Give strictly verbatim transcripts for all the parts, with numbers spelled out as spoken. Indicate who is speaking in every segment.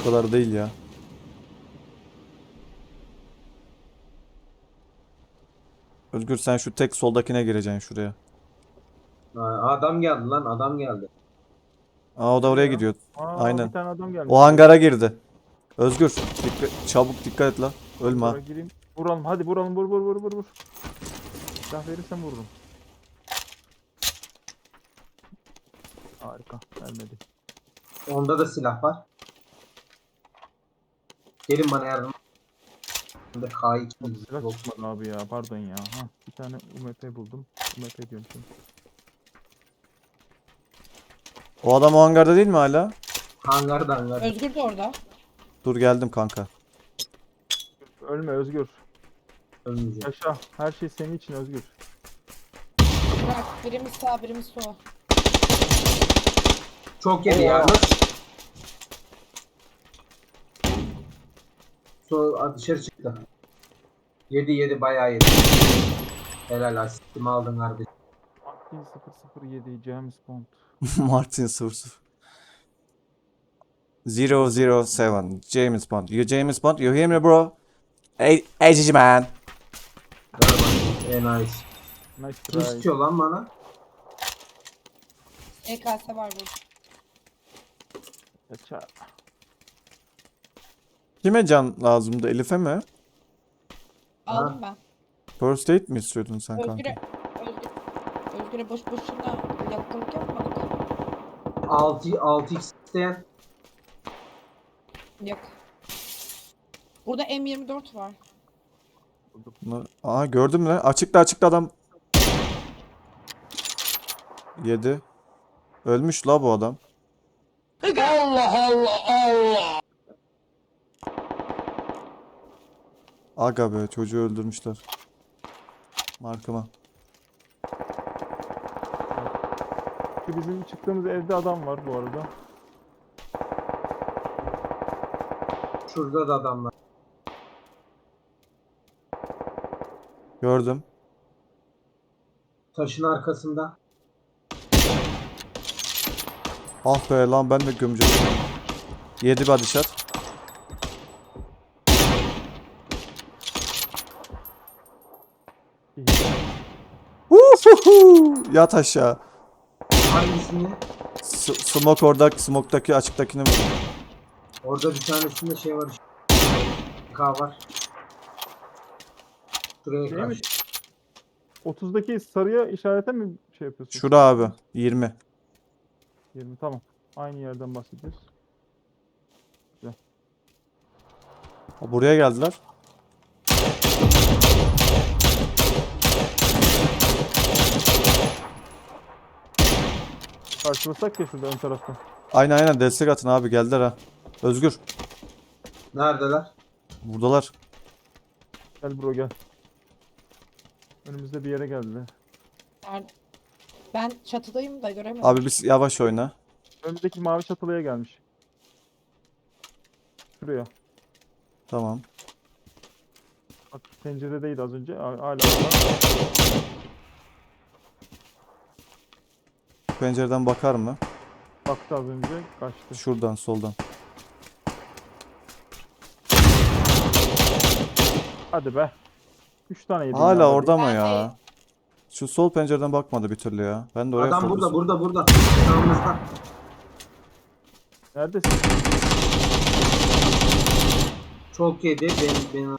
Speaker 1: O kadar değil ya. Özgür sen şu tek soldakine gireceksin şuraya.
Speaker 2: Ha, adam geldi lan, adam geldi.
Speaker 1: Aa o da oraya
Speaker 3: Nereye ya?
Speaker 1: gidiyor.
Speaker 3: Aa, bir
Speaker 1: Aynen.
Speaker 3: tane adam gelmiş
Speaker 1: O
Speaker 3: buraya.
Speaker 1: hangara girdi. Özgür dikkat, çabuk dikkat et la. Ölme ha.
Speaker 3: Hangara gireyim. Vuralım, hadi vuralım, vur vur vur vur vur. Silah verirsen vururum. Harika, vermedi.
Speaker 2: Onda da silah var. Gelin bana yardım. Bende K iki
Speaker 3: Silah
Speaker 2: yok.
Speaker 3: çıkmadı abi ya, pardon ya. Ha, bir tane U M P buldum. U M P diyorum şimdi.
Speaker 1: O adam o hangarda değil mi hala?
Speaker 2: Hangarda hangar.
Speaker 4: Özgür de orada.
Speaker 1: Dur geldim kanka.
Speaker 3: Ölme Özgür.
Speaker 2: Ölmeyecek.
Speaker 3: Yaşa. Her şey senin için Özgür.
Speaker 4: Bırak birimiz sağ birimiz sol.
Speaker 2: Çok yedi
Speaker 3: Oo.
Speaker 2: yalnız. So dışarı çıktı. Yedi yedi bayağı yedi. Helal asistimi aldın kardeşim.
Speaker 3: Martin sıfır sıfır yedi James Bond.
Speaker 1: Martin sıfır sıfır. zero zero seven James Bond. You James Bond? You hear me bro? Hey, hey cici man.
Speaker 2: Galiba en nice.
Speaker 3: Nice
Speaker 2: Kim
Speaker 3: try.
Speaker 2: istiyor lan bana?
Speaker 4: E K S var burada.
Speaker 3: Yaşa.
Speaker 1: Kime can lazımdı? Elif'e mi?
Speaker 4: Aldım ben.
Speaker 1: First aid mi istiyordun sen
Speaker 4: Özgür'e
Speaker 1: kanka?
Speaker 4: Özgür, Özgür'e boş boşuna yakınlık yapmadık.
Speaker 2: altı altı x isteyen.
Speaker 4: Yok. Burada M yirmi dört var.
Speaker 1: Bunlar- Aa gördüm mü? Açıkta açıkta adam. Yedi. Ölmüş la bu adam. Allah Allah Allah. Aga be çocuğu öldürmüşler. Markıma.
Speaker 3: Şu bizim çıktığımız evde adam var bu arada.
Speaker 2: Şurada da adamlar.
Speaker 1: Gördüm.
Speaker 2: Taşın arkasında.
Speaker 1: Ah be lan ben de gömeceğim. Yedi bir body shot. Uhuhu! Yat aşağı.
Speaker 2: Hangisini?
Speaker 1: S smoke orada, smoke'daki açıktakini vurdum.
Speaker 2: Orada bir tanesinde şey var. K var. Şuraya
Speaker 3: Şey mi?
Speaker 2: karşı.
Speaker 3: otuzdaki sarıya işarete mi şey yapıyorsun?
Speaker 1: Şura abi. yirmi.
Speaker 3: yirmi tamam. Aynı yerden bahsediyoruz.
Speaker 1: Ha, buraya geldiler.
Speaker 3: Karşılasak ya şurada ön tarafta.
Speaker 1: Aynen aynen destek atın abi geldiler ha. Özgür.
Speaker 2: Neredeler?
Speaker 1: Buradalar.
Speaker 3: Gel bro gel. Önümüzde bir yere geldiler.
Speaker 4: Nerede? Ben çatıdayım da göremedim.
Speaker 1: Abi biz yavaş oyna.
Speaker 3: Önümüzdeki mavi çatılıya gelmiş. Şuraya.
Speaker 1: Tamam.
Speaker 3: Bak penceredeydi az önce. Hala orada.
Speaker 1: Pencereden bakar mı?
Speaker 3: Baktı az önce. Kaçtı.
Speaker 1: Şuradan soldan.
Speaker 3: Hadi be. üç tane yedim.
Speaker 1: Hala
Speaker 3: ya.
Speaker 1: orada mı
Speaker 4: Ben
Speaker 1: ya? Şu sol pencereden bakmadı bir türlü ya. Ben de oraya
Speaker 2: Adam burada
Speaker 1: fokusum.
Speaker 2: burada burada. Yanımızda.
Speaker 3: Neredesin?
Speaker 2: Çok yedi. Benim benim.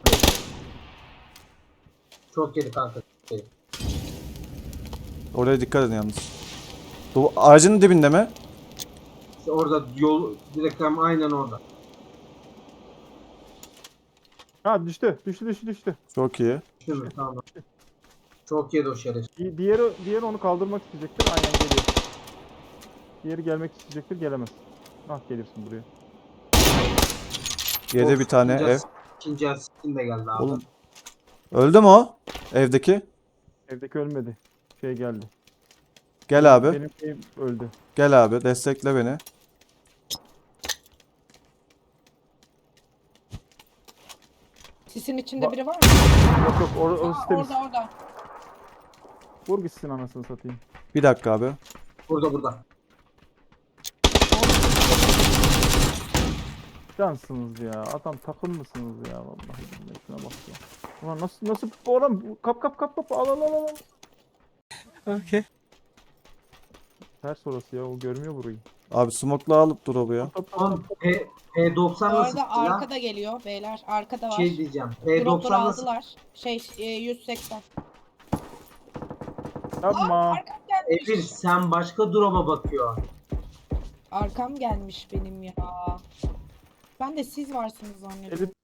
Speaker 2: Çok yedi kanka. Şey.
Speaker 1: Oraya dikkat edin yalnız. Bu ağacın dibinde mi?
Speaker 2: İşte orada yol direkt hem aynen orada.
Speaker 3: Ha düştü. Düştü düştü düştü.
Speaker 1: Çok iyi.
Speaker 2: Değil mi? Tamam. Çok yedi o şeref.
Speaker 3: Di- Diğeri, diğeri onu kaldırmak isteyecektir. Aynen geliyor. Diğeri gelmek isteyecektir. Gelemez. Ah gelirsin buraya.
Speaker 1: Yedi
Speaker 2: Of,
Speaker 1: bir tane
Speaker 2: ikinci
Speaker 1: ev.
Speaker 2: as- İkinci asistin de geldi abi.
Speaker 1: Oğlum. Öldü mü o? Evdeki.
Speaker 3: Evdeki ölmedi. Şey geldi.
Speaker 1: Gel abi.
Speaker 3: Benim ev öldü.
Speaker 1: Gel abi. Destekle beni.
Speaker 4: Sisin içinde
Speaker 3: Ba-
Speaker 4: biri var mı?
Speaker 3: Yok yok or orası
Speaker 4: Aa,
Speaker 3: temiz.
Speaker 4: orada orada.
Speaker 3: Vur gitsin anasını satayım.
Speaker 1: Bir dakika abi.
Speaker 2: Burada burada.
Speaker 3: Cansınız ya. Adam takım mısınız ya? Vallahi billahi şuna bak ya. Ulan nasıl nasıl oğlum kap kap kap kap al al al al.
Speaker 1: Okay.
Speaker 3: Ters orası ya o görmüyor burayı.
Speaker 1: Abi smoke'la alıp drop'u ya.
Speaker 3: Tap, tap,
Speaker 2: Oğlum P,
Speaker 4: Bu
Speaker 2: P90 nasıl
Speaker 4: arada
Speaker 2: ya?
Speaker 4: arkada geliyor beyler. Arkada var.
Speaker 2: Şey diyeceğim.
Speaker 4: Dropları
Speaker 2: P90 nasıl?
Speaker 4: aldılar. Şey e, yüz seksen.
Speaker 3: Yapma.
Speaker 4: Arkam gelmiş.
Speaker 2: Emir sen başka drop'a bakıyor.
Speaker 4: Arkam gelmiş benim ya. Ben de siz varsınız zannediyorum.
Speaker 3: Elif.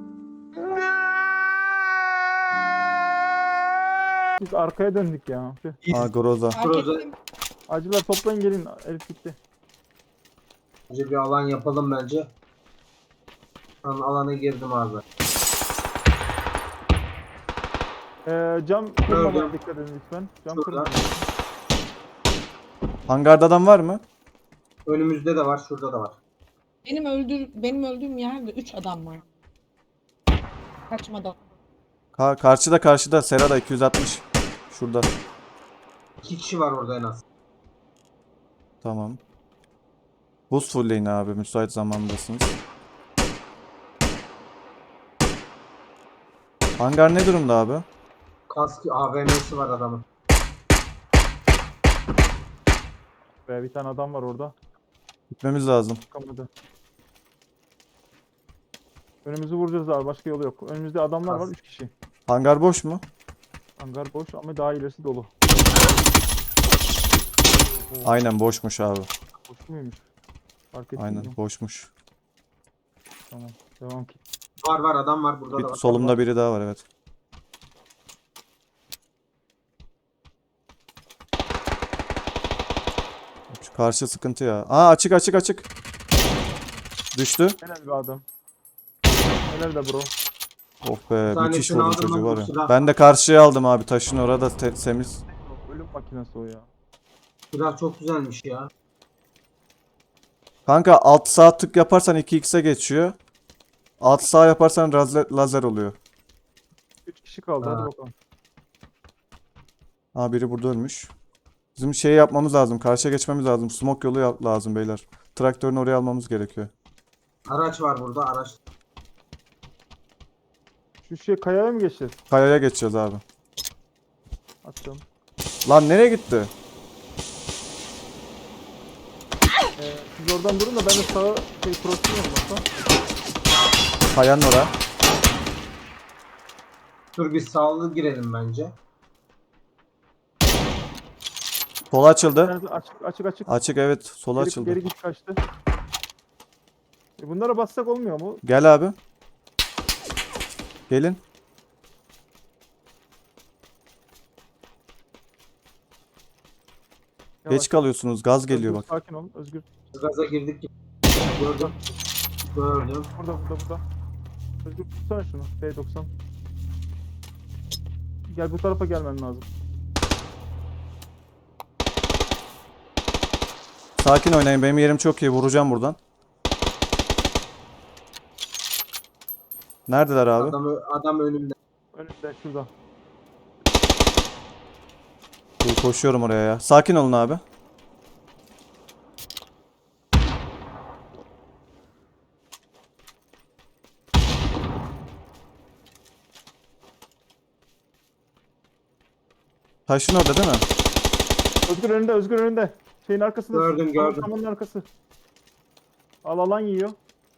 Speaker 3: Biz arkaya döndük ya. Tüh.
Speaker 2: Biz
Speaker 1: Aa Groza.
Speaker 4: Fark
Speaker 2: Proje-
Speaker 4: ettim.
Speaker 3: Acılar toplayın gelin. Elif gitti.
Speaker 2: önce bir alan yapalım bence. Ben alana girdim abi.
Speaker 3: Ee, cam kırmamaya dikkat edin lütfen. Cam
Speaker 2: Şurada.
Speaker 3: kırmayın.
Speaker 1: Hangarda adam var mı?
Speaker 2: Önümüzde de var, şurada da var.
Speaker 4: Benim öldür benim öldüğüm yerde üç adam var. Kaçmadan.
Speaker 1: Ka karşıda karşıda Serada iki yüz altmış. Şurada.
Speaker 2: İki kişi var orada en az.
Speaker 1: Tamam. Buz fullleyin abi müsait zamandasınız. Hangar ne durumda abi?
Speaker 2: Kask A V M'si var adamın.
Speaker 3: Be, bir tane adam var orada.
Speaker 1: Gitmemiz lazım.
Speaker 3: Çıkamadı. Önümüzü vuracağız abi. Başka yolu yok. Önümüzde adamlar var.
Speaker 2: Kas.
Speaker 3: Üç kişi.
Speaker 1: Hangar boş mu?
Speaker 3: Hangar boş ama daha ilerisi dolu.
Speaker 1: Aynen boşmuş abi.
Speaker 3: Boş muymuş? Fark ettim.
Speaker 1: Aynen boşmuş.
Speaker 3: Tamam. Devam ki.
Speaker 2: Var var adam var burada da
Speaker 1: Bir,
Speaker 2: var.
Speaker 1: solumda biri daha var evet. Şu karşı sıkıntı ya. Aa açık açık açık. Düştü.
Speaker 3: Helal bir adam. Helal de bro.
Speaker 1: Oh be
Speaker 2: tanesini
Speaker 1: müthiş vurdu
Speaker 2: aldım
Speaker 1: çocuğu
Speaker 2: ben,
Speaker 1: var
Speaker 2: bu
Speaker 1: ya.
Speaker 2: silah.
Speaker 1: Ben de karşıya aldım abi taşın orada te- temiz.
Speaker 3: Ölüm makinesi o ya.
Speaker 2: Silah çok güzelmiş ya.
Speaker 1: Kanka alt sağ tık yaparsan iki x'e geçiyor. Alt sağ yaparsan lazer, lazer oluyor.
Speaker 3: Üç kişi kaldı.
Speaker 2: Ha.
Speaker 3: Hadi bakalım.
Speaker 1: Aa biri burada ölmüş. Bizim şey yapmamız lazım. Karşıya geçmemiz lazım. Smoke yolu yap- lazım beyler. Traktörünü oraya almamız gerekiyor.
Speaker 2: Araç var burada araç.
Speaker 3: Şu şey kayaya mı geçeceğiz?
Speaker 1: Kayaya geçeceğiz abi.
Speaker 3: Attım.
Speaker 1: Lan nereye gitti?
Speaker 3: Ee, siz oradan durun da ben de sağa şey cross'um yapmasam.
Speaker 1: Kayanın oraya.
Speaker 2: Dur bir sağlı girelim bence.
Speaker 1: Sola
Speaker 3: Bir
Speaker 1: açıldı.
Speaker 3: tanesi açık açık açık.
Speaker 1: Açık evet. Sola
Speaker 3: Geri,
Speaker 1: açıldı.
Speaker 3: geri git kaçtı. E bunlara bassak olmuyor mu?
Speaker 1: Gel abi. Gelin.
Speaker 3: Yavaş.
Speaker 1: Geç kalıyorsunuz. Gaz geliyor
Speaker 3: Özgür,
Speaker 1: bak.
Speaker 3: Sakin ol Özgür.
Speaker 2: Gaza girdik. Gördüm. Gördüm.
Speaker 3: Burada burada burada. Özgür tutsana şunu. B doksan. Gel bu tarafa gelmen lazım.
Speaker 1: Sakin oynayın. Benim yerim çok iyi. Vuracağım buradan. Neredeler abi?
Speaker 2: Adam, ö- adam önümde.
Speaker 3: Önünde şurada.
Speaker 1: Dur, koşuyorum oraya ya. Sakin olun abi. Taşın orada değil mi?
Speaker 3: Özgür önünde Özgür önünde. Şeyin arkasında.
Speaker 2: Gördüm, gördüm.
Speaker 3: Samanın arkası. Al alan yiyor.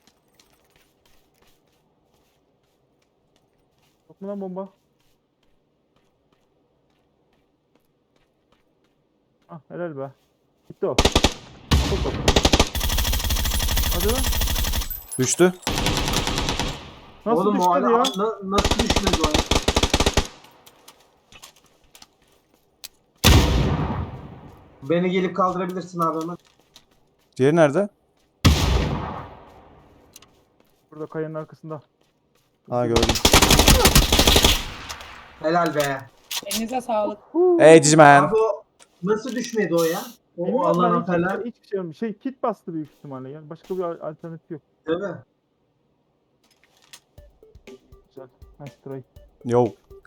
Speaker 3: Yok mu lan bomba? Ah helal be. Gitti o. Çok çok. Hadi lan.
Speaker 1: Düştü.
Speaker 3: Nasıl
Speaker 2: Oğlum o
Speaker 3: düşmedi
Speaker 2: adam
Speaker 3: ya?
Speaker 2: na- nasıl düşmedi o ya? Beni gelip kaldırabilirsin abi hemen.
Speaker 1: Diğeri nerede?
Speaker 3: Burada kayanın arkasında.
Speaker 1: Ha gördüm.
Speaker 2: Helal be.
Speaker 4: Elinize sağlık.
Speaker 1: Hey Cicimen.
Speaker 2: Abi o nasıl düşmedi o ya? O
Speaker 3: Bilmiyorum ben,
Speaker 2: alana
Speaker 3: hiç-
Speaker 2: falan.
Speaker 3: Hiçbir şey olmuş. Şey kit bastı büyük ihtimalle. Yani başka bir al- alternatif yok.
Speaker 2: Değil mi?
Speaker 3: Güzel. Nice try.
Speaker 1: Yo.